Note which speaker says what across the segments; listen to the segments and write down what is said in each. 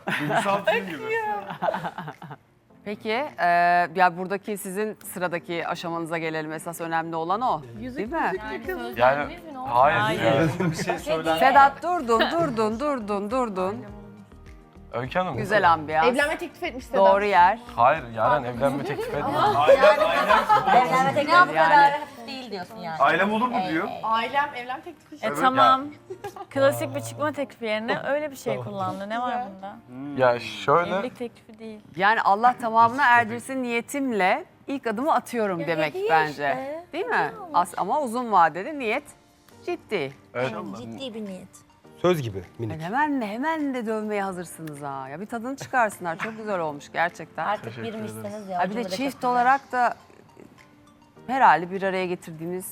Speaker 1: Duygusal film gibi.
Speaker 2: Peki, ya buradaki sizin sıradaki aşamanıza gelelim. Esas önemli olan o. Değil mi?
Speaker 3: Yani hayır.
Speaker 2: Hayır.
Speaker 1: Bir şey söyler.
Speaker 2: Sedat durdun.
Speaker 3: Öykü Hanım.
Speaker 2: Güzel ambiyans.
Speaker 4: Evlenme teklif etmiş Sedat.
Speaker 2: Doğru yer.
Speaker 3: Hayır Yaren evlenme teklif etmiyor.
Speaker 5: Evlenme teklifi bu kadar hafif değil diyorsun yani.
Speaker 1: Ailem olur mu diyor.
Speaker 4: Ailem evlenme teklifi etmiş.
Speaker 6: Tamam. Klasik bir çıkma teklifi yerine öyle bir şey kullandı. Ne var bunda?
Speaker 3: Ya şöyle
Speaker 6: Evlilik teklifi değil.
Speaker 2: Yani Allah tamamına erdirsin niyetimle ilk adımı atıyorum demek
Speaker 5: hediye
Speaker 2: bence.
Speaker 5: işte.
Speaker 2: Değil mi? Ama uzun vadeli niyet ciddi.
Speaker 3: evet,
Speaker 5: Ciddi bir niyet.
Speaker 7: Söz gibi minik.
Speaker 2: Hemen de dövmeye hazırsınız ha. Ya bir tadını çıkarsınlar. Çok güzel olmuş gerçekten.
Speaker 5: Artık
Speaker 3: Teşekkür
Speaker 5: girmişsiniz ya.
Speaker 2: Ha bir de çift olarak da herhalde bir araya getirdiğimiz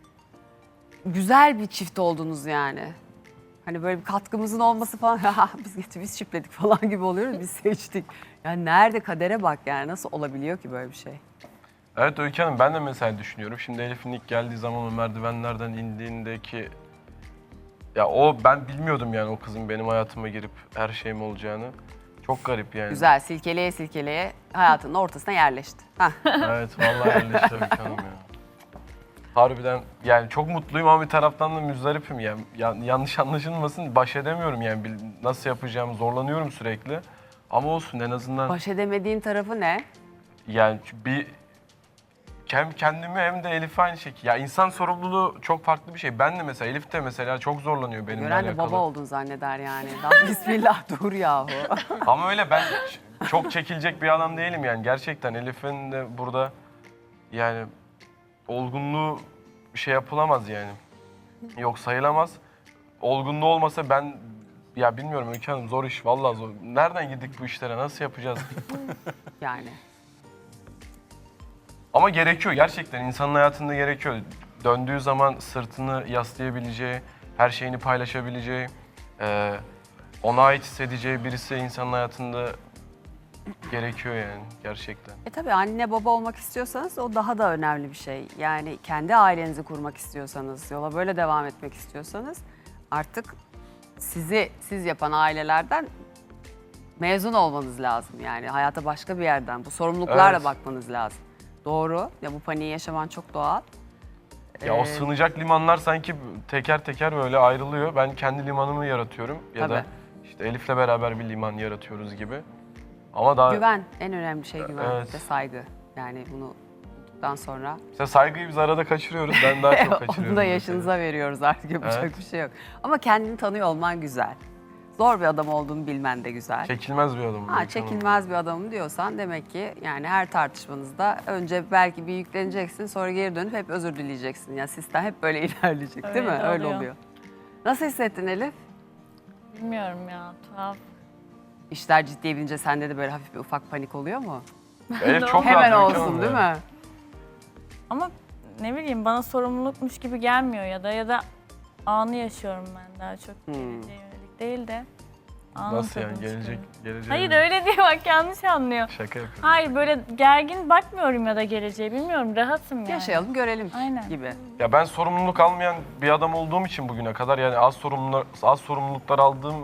Speaker 2: güzel bir çift oldunuz yani. Hani böyle bir katkımızın olması falan, biz çiftledik falan gibi oluyoruz, biz seçtik. Yani nerede kadere bak yani, nasıl olabiliyor ki böyle bir şey?
Speaker 3: evet Öykü Hanım ben de mesela düşünüyorum. Şimdi Elif'in ilk geldiği zaman o merdivenlerden indiğindeki ya o ben bilmiyordum yani o kızın benim hayatıma girip her şeyim olacağını. Çok garip yani.
Speaker 2: Güzel, silkeleye hayatının ortasına yerleşti. Hah.
Speaker 3: Evet vallahi yerleşti Öykü Hanım ya. Harbiden yani çok mutluyum ama bir taraftan da müzdaripim yani. Yanlış anlaşılmasın baş edemiyorum yani nasıl yapacağımı zorlanıyorum sürekli. Ama olsun en azından
Speaker 2: Baş edemediğin tarafı ne?
Speaker 3: yani bir hem kendimi hem de Elif'e aynı şekilde. Ya insan sorumluluğu çok farklı bir şey. Ben de mesela Elif de mesela çok zorlanıyor benimle
Speaker 2: Gören de
Speaker 3: alakalı.
Speaker 2: baba oldun zanneder yani. Lan bismillah dur yahu.
Speaker 3: Ama öyle ben çok çekilecek bir adam değilim yani. Gerçekten Elif'in de burada yani olgunluğu şey yapılamaz yani. Yok sayılamaz. Olgunluğu olmasa ben ya bilmiyorum Öykü Hanım zor iş vallahi zor. Nereden girdik bu işlere nasıl yapacağız?
Speaker 2: Yani.
Speaker 3: Ama gerekiyor gerçekten insanın hayatında gerekiyor. Döndüğü zaman sırtını yaslayabileceği, her şeyini paylaşabileceği, ona ait hissedeceği birisi insanın hayatında gerekiyor yani gerçekten.
Speaker 2: Tabii anne baba olmak istiyorsanız o daha da önemli bir şey. Yani kendi ailenizi kurmak istiyorsanız, yola böyle devam etmek istiyorsanız artık siz yapan ailelerden mezun olmanız lazım. Yani hayata başka bir yerden, bu sorumluluklarla
Speaker 3: Evet.
Speaker 2: bakmanız lazım. Doğru. Ya bu paniği yaşaman çok doğal.
Speaker 3: Ya o sığınacak limanlar sanki teker teker böyle ayrılıyor. Ben kendi limanımı yaratıyorum ya da
Speaker 2: Tabii.
Speaker 3: işte Elif'le beraber bir liman yaratıyoruz gibi. Ama daha
Speaker 2: Güven, en önemli şey güven
Speaker 3: Evet.
Speaker 2: ve saygı. Yani bunu bulduktan sonra
Speaker 3: mesela saygıyı biz arada kaçırıyoruz. Ben daha çok kaçırıyorum.
Speaker 2: onu da
Speaker 3: mesela.
Speaker 2: yaşınıza veriyoruz artık, yapacak
Speaker 3: Evet.
Speaker 2: bir şey yok. Ama kendini tanıyor olman güzel. Zor bir adam olduğunu bilmen de güzel.
Speaker 3: Çekilmez bir adamım.
Speaker 2: Ha,
Speaker 3: Öykü Hanım.
Speaker 2: çekilmez bir adamım diyorsan demek ki yani her tartışmanızda önce belki bir yükleneceksin, sonra geri dönüp hep özür dileyeceksin. Yani sistem hep böyle ilerleyecek değil mi?
Speaker 6: Öyle
Speaker 2: Öyle
Speaker 6: oluyor.
Speaker 2: oluyor. Nasıl hissettin Elif?
Speaker 6: Bilmiyorum ya, tuhaf.
Speaker 2: İşler ciddiye binince sende de böyle hafif bir ufak panik oluyor mu?
Speaker 3: Elif çok
Speaker 2: Hemen
Speaker 3: rahat Öykü
Speaker 2: olsun
Speaker 3: Hanım
Speaker 2: değil
Speaker 3: ya.
Speaker 2: mi?
Speaker 6: Ama ne bileyim bana sorumlulukmuş gibi gelmiyor ya da anı yaşıyorum ben daha çok geleceğe yönelik değil de anın
Speaker 3: Nasıl yani
Speaker 6: tadını
Speaker 3: gelecek
Speaker 6: çıkarıyorum.
Speaker 3: gelecek.
Speaker 6: Hayır öyle değil bak yanlış anlıyor.
Speaker 3: Şaka yapıyorum.
Speaker 6: Hayır böyle gergin bakmıyorum ya da geleceğe bilmiyorum rahatım yani.
Speaker 2: Yaşayalım görelim
Speaker 6: Aynen.
Speaker 2: gibi.
Speaker 3: Ya ben sorumluluk almayan bir adam olduğum için bugüne kadar yani az sorumluluklar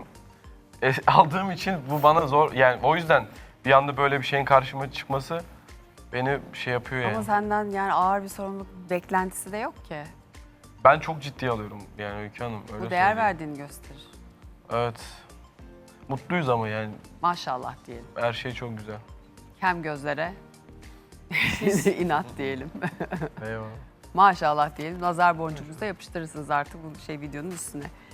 Speaker 3: aldığım için bu bana zor yani o yüzden bir anda böyle bir şeyin karşıma çıkması beni şey yapıyor yani.
Speaker 2: Ama senden yani ağır bir sorumluluk beklentisi de yok ki.
Speaker 3: Ben çok ciddiye alıyorum yani Öykü Hanım öyle
Speaker 2: Bu değer
Speaker 3: söyleyeyim.
Speaker 2: verdiğini gösterir.
Speaker 3: Evet. Mutluyuz ama yani
Speaker 2: Maşallah diyelim.
Speaker 3: her şey çok güzel.
Speaker 2: Kem gözlere inat diyelim.
Speaker 3: Eyvallah.
Speaker 2: Maşallah diyelim. Nazar boncuğunuzu da yapıştırırsınız artık bu videonun üstüne.